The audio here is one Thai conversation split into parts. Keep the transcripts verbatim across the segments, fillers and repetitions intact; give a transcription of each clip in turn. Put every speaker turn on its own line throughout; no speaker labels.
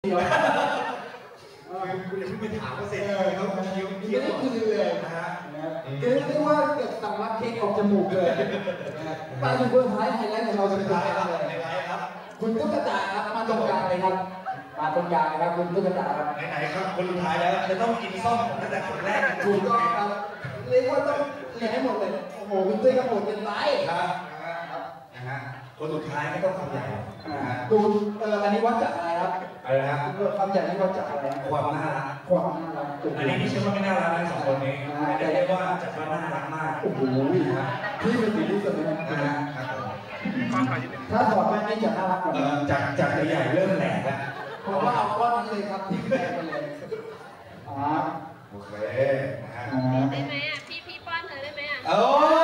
เดี๋ยวคุณอย่าเพิ่งไปถามเขาเสร็จเลยเขาเคี้ยวเคี้ยวคือเลยนะฮะเรียกได้ว่าเกิดสำลักเค้กออกจมูกเลยมาถึงคนท้ายไฮไลท์ของเราสุดท้ายครับคุณตุ๊กตาครับมาตรงกลางเลยครับมาตรงกลางนะครับคุณตุ๊กตาครับไหนๆครับคนสุดท้ายแล้วจะต้องกินส้มตั้งแต่คนแรกถูกต้องครับเรียกว่าต้องเรียนให้หมดเลยโอ้โหคุณตุ้ยกระโดดเป็นไรครับนะฮะคนสุดท้ายก็ต้องทำใหญ่ดูเอออันนี้วัดจากอะไรครับอะไรนะคำใหญ่นี่วัดจากอะไรความน่ารักความน่ารักอันนี้ไม่ใช่ว่าไม่น่ารักนะสองคนนี้แต่เรียกว่าจัดว่าน่ารักมากโอ้โหที่เป็นสิ่งที่สุดเลยนะถ้าถอดแว่นนี่จะน่ารักกว่าจากจากใหญ่เริ่มแหลกแล้วเพราะว่าเอาก้อนนั้นเลยครับที่แหลกไปเลยอ๋อโอเค
ได้ไหมอ่ะพี่พี่ป้อนเธอได้ไหมอ่ะ
โอ้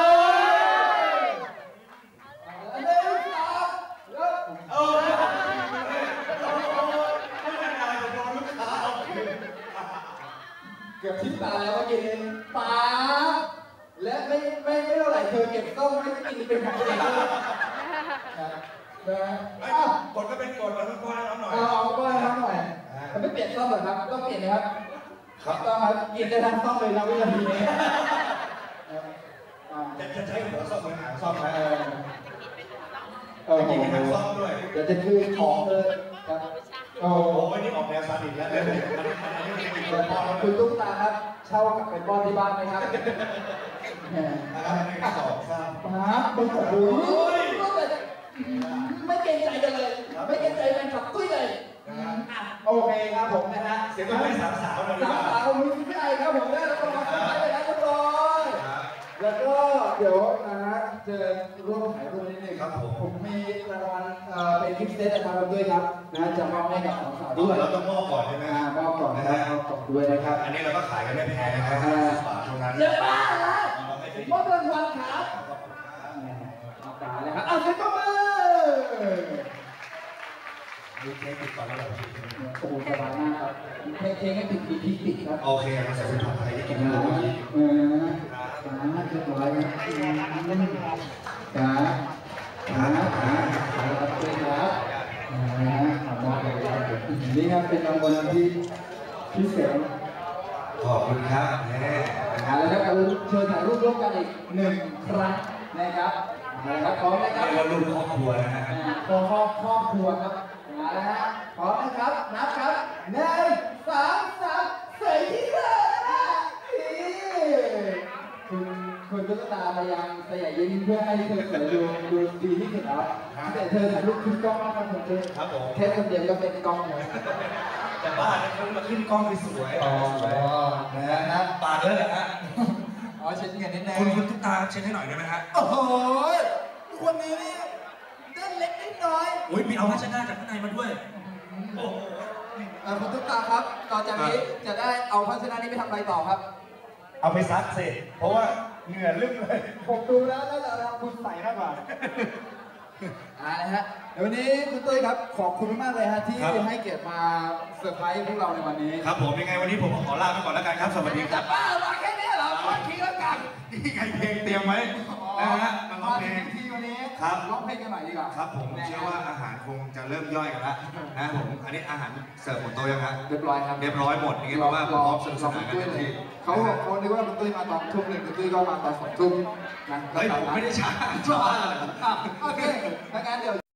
เกือบทิ้งตาแล้วเมื่อกี้เองป๋าและไม่ไม่ไม่เท่าไหร่เธอเก็บต้มไม่กินเป็นของตัวเองนะกดก็เป็นกดแล้วก็ก้อนน้ำหน่อยเอาก้อนน้ำหน่อยมันไม่เปลี่ยนต้มหรอครับต้องเปลี่ยนนะครับครับต้องครับกินได้ทั้งต้มเลยนะวินาทีนี้จะจะใช้หัวซ่อมเหมือนหางซ่อมนะเออกินทั้งซ่อมด้วยเดี๋ยวจะคือของเลยครับโอ้โหนี่ออกแนวซาดิสแล้วเลยคุณตุ๊กตาครับเช่ากลับไปป้อนที่บ้านไหมครับสองสามปั๊บโอ้โหไม่เกรงใจกันเลยไม่เกรงใจแฟนคลับตุ้ยเลยโอเคครับผมนะฮะเสียงก็ไม่สาวสาวเลยสาวสาวมีไม่ได้ครับผมได้แล้วก็มาสุดท้ายเลยนะทุกคนแล้วก็เดี๋ยวนะฮะจะร่วมถ่ายรูปนิดนึงครับผมผมมีรางวัลเป็นกิฟต์เซตนะครับด้วยครับนะจะมอบให้กับสาวๆด้วยเราต้องมอบก่อนใช่ไหมมอบก่อนนะครับมอบก่อนด้วยนะครับอันนี้เราก็ขายกันไม่แพงนะครับบาทเท่านั้นเยอะมากนะมอบรางวัลครับเอาตาเลยครับเอาเซ็ตก็มาดูเค้กติดก่อนแล้วโอ้โหสบายมากครับเค้กเค้กให้ติดติดติดติดครับโอเคเราใส่เป็นผัดไทยที่กินได้เลยเออจ้าเรียบร้อยครับจ้าจ้าจ้าครับเชิญครับนะฮะขอบคุณครับนี่ครับเป็นรางวัลที่พิเศษขอบคุณครับแน่แล้วครับเชิญถ่ายรูปร่วมกันอีกหนึ่งครั้งนะครับนะครับพร้อมนะครับเรียกว่ารูปครอบครัวนะฮะครอบครอบครัวครับนะฮะพร้อมนะครับนับครับหนึ่งสองสามสี่ที่เลยนะคุณคุณตุ๊กตาพยายามสยายยิ้มเพื่อให้เธอสวยดูดูดีที่สุดครับแต่เธอถ่ายรูปขึ้นกล้องนะครับผมเธอแค่คนเดียวก็เป็นกล้องเลยแต่บ้านเขามาขึ้นกล้องสวยอ๋อนะฮะปาดเลยเหรอฮะอ๋อเช็ดเงินนิดนึงคุณคุณตุ๊กตาเช็ดให้หน่อยได้ไหมฮะโอ้โหคนนี้นี่เล่นเล็กนิดน้อยอุ้ยมีเอาพัชนาจากข้างในมาด้วยโอ้โหคุณตุ๊กตาครับต่อจากนี้จะได้เอาพัชนานี้ไปทำอะไรต่อครับเอาไปซักเสร็จเพราะว่าเหงื่อลึกเลยผมดูแล้วน่าจะทำคุณใส่มากกว่าอ่านะฮะเดี๋ยววันนี้คุณตุ้ยครับขอบคุณมากเลยฮะที่ให้เกียรติมาเซอร์ไพรส์พวกเราในวันนี้ครับผมยังไงวันนี้ผมขอลาไปก่อนแล้วกันครับสวัสดีครับบ้ามาแค่นี้เหรอวันทีแล้วกันนี่ไงเพลงเตรียมไว้นะฮะมาร้องเพลงที่วันนี้ครับร้องเพลงกันหน่อยดีกว่าครับผมเชื่อว่าอาหารคงจะเริ่มย่อยกันแล้วนะผมอันนี้อาหารเสิร์ฟหมดโต๊ะยังครับเรียบร้อยครับเรียบร้อยหมดนี่เพราะว่าพร้อมสนุกสนานกันทันทีเขาเขาคิดว่าคุณตุ้ยมาตอนทุ่มหนึ่งคุณตุ้ยก็มาตอนสองทุ่มนะเฮ้ยผมไม่ได้ช้าช้าโอเคงั้นเดี๋ยว